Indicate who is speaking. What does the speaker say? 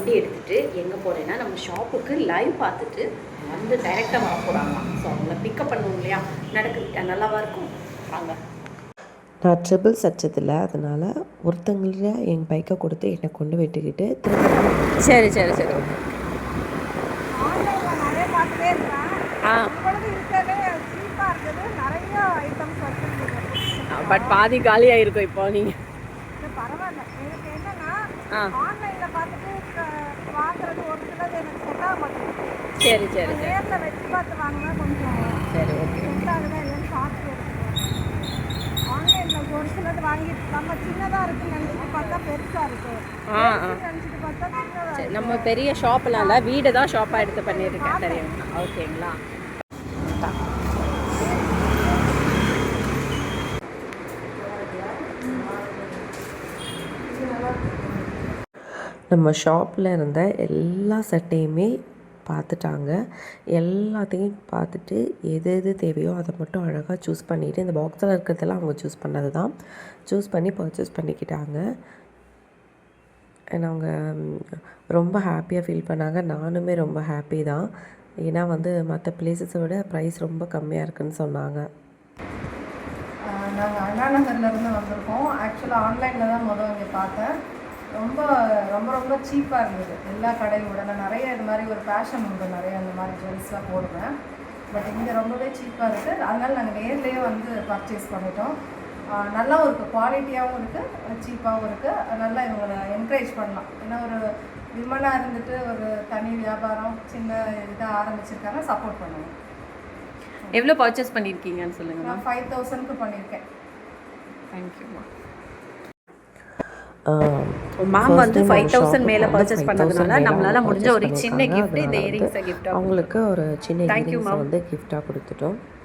Speaker 1: வண்டி எடுத்துகிட்டு எங்கே போகிறேன்னா நம்ம ஷாப்புக்கு லைவ் பார்த்துட்டு வந்து டைரெக்டாக வர போகிறாங்களாம். ஸோ அவங்கள பிக்கப் பண்ணுவோம் இல்லையா, நடக்குது நல்லாவா இருக்கும். வாங்க.
Speaker 2: நான் ட்ரிபிள் சச்சதில்லை, அதனால் ஒருத்தங்கள என் பைக்கை கொடுத்து என்னை கொண்டு விட்டுக்கிட்டு திரும்ப
Speaker 1: சரி சரி சரி பட் பாதி காலியாக இருக்கும் இப்போ. நீங்கள்
Speaker 3: பரவாயில்ல, எனக்கு என்னன்னா ஆன்லைனில் பார்த்துட்டு வாங்குறது ஒரு சிலது எனக்கு செட் ஆக மாட்டேங்குது.
Speaker 1: சரி சரி
Speaker 3: நேரில் வச்சு பார்த்து வாங்கினா கொஞ்சம்
Speaker 1: சரி ஓகே
Speaker 3: செட் ஆகுதா இல்லைன்னு பார்த்து ஆன்லைனில் ஒரு சிலது வாங்கிட்டு நம்ம சின்னதாக இருக்குன்னு நினச்சிட்டு பார்த்தா பெருசாக இருக்குது, நினச்சிட்டு பார்த்தா சின்னதாக.
Speaker 1: நம்ம பெரிய ஷாப்லாம் இல்லை, வீடு தான் ஷாப்பாக எடுத்து பண்ணியிருக்கேன் தெரியுங்களா. ஓகேங்களா.
Speaker 2: நம்ம ஷாப்பில் இருந்த எல்லா சட்டையுமே பார்த்துட்டாங்க. எல்லாத்தையும் பார்த்துட்டு எது எது தேவையோ அதை மட்டும் அழகாக சூஸ் பண்ணிவிட்டு, இந்த பாக்ஸில் இருக்கிறதெல்லாம் அவங்க சூஸ் பண்ணது தான், சூஸ் பண்ணி பர்ச்சேஸ் பண்ணிக்கிட்டாங்க. அண்ட் அவங்க ரொம்ப ஹாப்பியாக ஃபீல் பண்ணாங்க. நானுமே ரொம்ப ஹாப்பி தான். ஏன்னா மற்ற பிளேஸஸை விட ப்ரைஸ் ரொம்ப கம்மியாக இருக்குதுன்னு சொன்னாங்க.
Speaker 3: நாங்கள் அண்ணா நகர்லேருந்து வந்திருக்கோம். ஆக்சுவலாக ஆன்லைனில் தான் இங்கே பார்த்தேன். ரொம்ப ரொம்ப ரொம்ப சீப்பாக இருந்தது எல்லா கடையோட. நான் நிறைய இது மாதிரி ஒரு ஃபேஷன் உண்டு, நிறைய இந்த மாதிரி ஜுவல்ஸ்லாம் போடுவேன். பட் இங்கே ரொம்பவே சீப்பாக இருக்குது. அதனால் நாங்கள் நேர்லேயே பர்ச்சேஸ் பண்ணிட்டோம். நல்லாவும் இருக்குது, குவாலிட்டியாகவும் இருக்குது, சீப்பாகவும் இருக்குது. நல்லா இவங்களை என்கரேஜ் பண்ணலாம். ஏன்னா ஒரு விமனாக இருந்துட்டு ஒரு தனி வியாபாரம் சின்ன இதாக ஆரம்பிச்சிருக்காங்க, சப்போர்ட் பண்ணுவோம்.
Speaker 1: எவ்வளோ பர்ச்சேஸ் பண்ணியிருக்கீங்கன்னு சொல்லுங்கள்.
Speaker 3: நான் 5000க்கு பண்ணியிருக்கேன்.
Speaker 1: தேங்க்யூம்மா. மேம் 5000 மேலே பர்ச்சேஸ் பண்ணதுனால நம்மளால் முடிஞ்ச ஒரு சின்ன கிஃப்ட் இந்த இயரிங்ஸை கிஃப்ட்
Speaker 2: அவங்களுக்கு ஒரு சின்ன இயரிங்ஸை கிஃப்டாக கொடுத்துட்டோம்.